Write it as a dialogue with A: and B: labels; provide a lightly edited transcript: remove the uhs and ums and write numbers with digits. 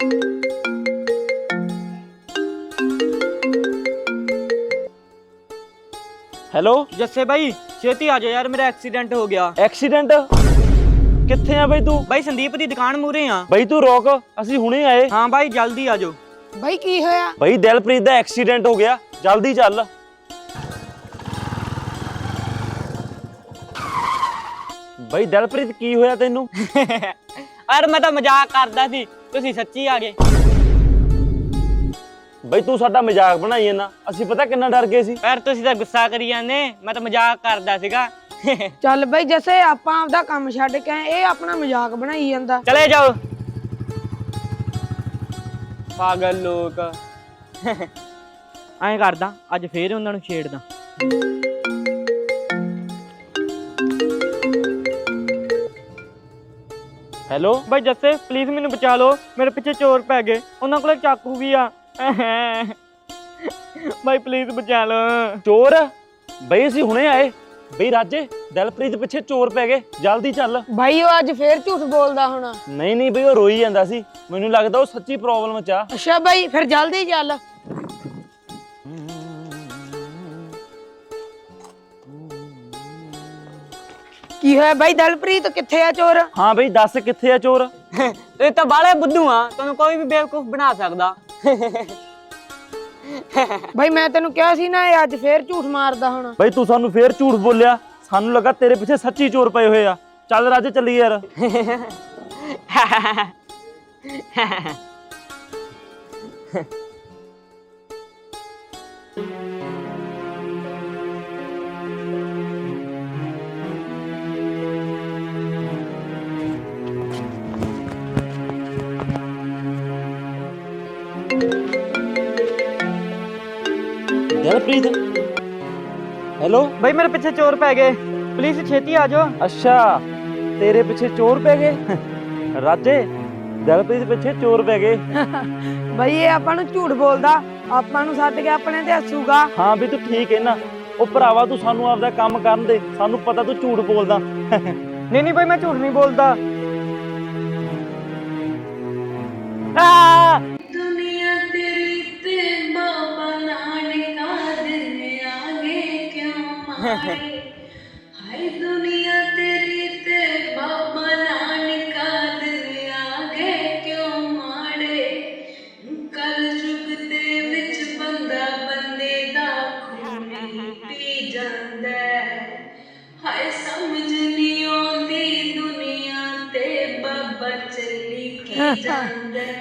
A: Hello
B: जस्से भाई छेती आ जाओ यार, मेरा एक्सीडेंट हो गया।
A: एक्सीडेंट किथे आ बई तू?
B: भाई संदीप दी दुकान मूहरे आ।
A: बई तू रोक, ਅਸੀਂ ਹੁਣੇ ਆਏ।
B: हाँ भाई जल्दी आ जाओ।
C: भाई की होया?
A: ਬਈ ਦਿਲਪ੍ਰੀਤ ਦਾ ਐਕਸੀਡੈਂਟ ਹੋ ਗਿਆ, ਜਲਦੀ ਚੱਲ। ਬਈ ਦਿਲਪ੍ਰੀਤ ਕੀ ਹੋਇਆ ਤੈਨੂੰ?
B: यार मैं तो मजाक करदा सी, तुसी सच्ची आ गए।
A: ਬਈ ਤੂੰ ਸਾਡਾ ਮਜ਼ਾਕ ਬਣਾਈ ਜਾਂਦਾ, ਅਸੀਂ ਪਤਾ ਕਿੰਨਾ ਡਰ ਗਏ ਸੀ।
B: यार तुसी तो गुस्सा करी जांदे, मैं तो मजाक करदा सीगा।
C: ਚੱਲ ਬਈ ਜੱਸੇ ਆਪਾਂ ਆਪਦਾ ਕੰਮ ਛੱਡ ਕੇ ਆਏ, ਇਹ ਆਪਣਾ ਮਜ਼ਾਕ ਬਣਾਈ ਜਾਂਦਾ।
B: चले जाओ पागल लोग। ਐਂ ਕਰਦਾ ਅੱਜ ਫੇਰ ਉਹਨਾਂ ਨੂੰ ਛੇੜਦਾ।
A: ਹੈਲੋ
B: ਭਾਈ ਜੱਸੇ ਪਲੀਜ਼ ਮੈਨੂੰ ਬਚਾ ਲਓ, ਮੇਰੇ ਪਿੱਛੇ ਚੋਰ ਪੈ ਗਏ, ਉਹਨਾਂ ਕੋਲੇ ਚਾਕੂ ਵੀ ਆ। ਭਾਈ ਪਲੀਜ਼ ਬਚਾ ਲਓ।
A: ਚੋਰ? ਬਈ ਅਸੀਂ ਹੁਣੇ ਆਏ। ਬਈ ਰਾਜੇ ਦਿਲਪ੍ਰੀਤ ਪਿੱਛੇ ਚੋਰ ਪੈ ਗਏ, ਜਲਦੀ ਚੱਲ।
C: ਭਾਈ ਉਹ ਅੱਜ ਫੇਰ ਝੂਠ ਬੋਲਦਾ ਹੋਣਾ।
A: ਨਹੀਂ ਬਈ ਉਹ ਰੋਈ ਜਾਂਦਾ ਸੀ, ਮੈਨੂੰ ਲੱਗਦਾ ਉਹ ਸੱਚੀ ਪ੍ਰੋਬਲਮ ਚ ਆ।
C: ਅੱਛਾ ਭਾਈ ਫਿਰ ਜਲਦੀ ਚੱਲ। ਕੀ ਹੋਇਆ ਭਾਈ? ਦਿਲਪ੍ਰੀਤ ਕਿੱਥੇ ਆ ਚੋਰ?
A: ਹਾਂ ਬਈ ਦੱਸ ਕਿੱਥੇ ਆ ਚੋਰ?
B: ਤੁਸੀਂ ਤਾਂ ਬਾਲੇ ਬੁੱਧੂ ਆ, ਤੁਹਾਨੂੰ ਕੋਈ ਵੀ ਬੇਵਕੂਫ ਬਣਾ ਸਕਦਾ।
C: ਭਾਈ ਮੈਂ ਤੈਨੂੰ ਕਿਹਾ ਸੀ ਨਾ ਇਹ ਅੱਜ ਫੇਰ ਝੂਠ ਮਾਰਦਾ ਹੋਣਾ।
A: ਬਈ ਤੂੰ ਸਾਨੂੰ ਫੇਰ ਝੂਠ ਬੋਲਿਆ, ਸਾਨੂੰ ਲੱਗਾ ਤੇਰੇ ਪਿੱਛੇ ਸੱਚੀ ਚੋਰ ਪਏ ਹੋਏ ਆ। ਚੱਲ ਰਾਜੇ ਚੱਲੀਏ ਯਾਰ। ਦਿਲਪ੍ਰੀਤ ਹੈਲੋ।
B: ਭਾਈ ਮੇਰੇ ਪਿੱਛੇ ਚੋਰ ਪੈ ਗਏ, ਪਲੀਜ਼ ਛੇਤੀ ਆ ਜਾਓ।
A: ਅੱਛਾ ਤੇਰੇ ਪਿੱਛੇ ਚੋਰ ਪੈ ਗਏ? ਰਾਜੇ ਦਿਲਪ੍ਰੀਤ ਪਿੱਛੇ ਚੋਰ ਪੈ ਗਏ।
C: ਭਾਈ ਇਹ ਆਪਾਂ ਨੂੰ ਝੂਠ ਬੋਲਦਾ, ਆਪਾਂ ਨੂੰ ਛੱਡ ਕੇ ਆਪਣੇ ਤੇ ਹੱਸੂਗਾ।
A: ਹਾਂ ਵੀ ਤੂੰ ਠੀਕ ਹੈ ਨਾ। ਉਹ ਭਰਾਵਾ ਤੂੰ ਸਾਨੂੰ ਆਪਦਾ ਕੰਮ ਕਰਨ ਦੇ, ਸਾਨੂੰ ਪਤਾ ਤੂੰ ਝੂਠ ਬੋਲਦਾ।
B: ਨਹੀਂ ਭਾਈ ਮੈਂ ਝੂਠ ਨਹੀਂ ਬੋਲਦਾ।
D: दुनिया तेरी ते बाबा नानका दिन आगे क्यों मारे। हाय दुनिया तेरी ते बाबा नानका दिन आगे क्यों मारे। कल युग दे विच बंदा बंदे दा खून पी जांदा है। हाय समझ नहीं आउंदी दुनिया ते बाबा चली की जांदा है।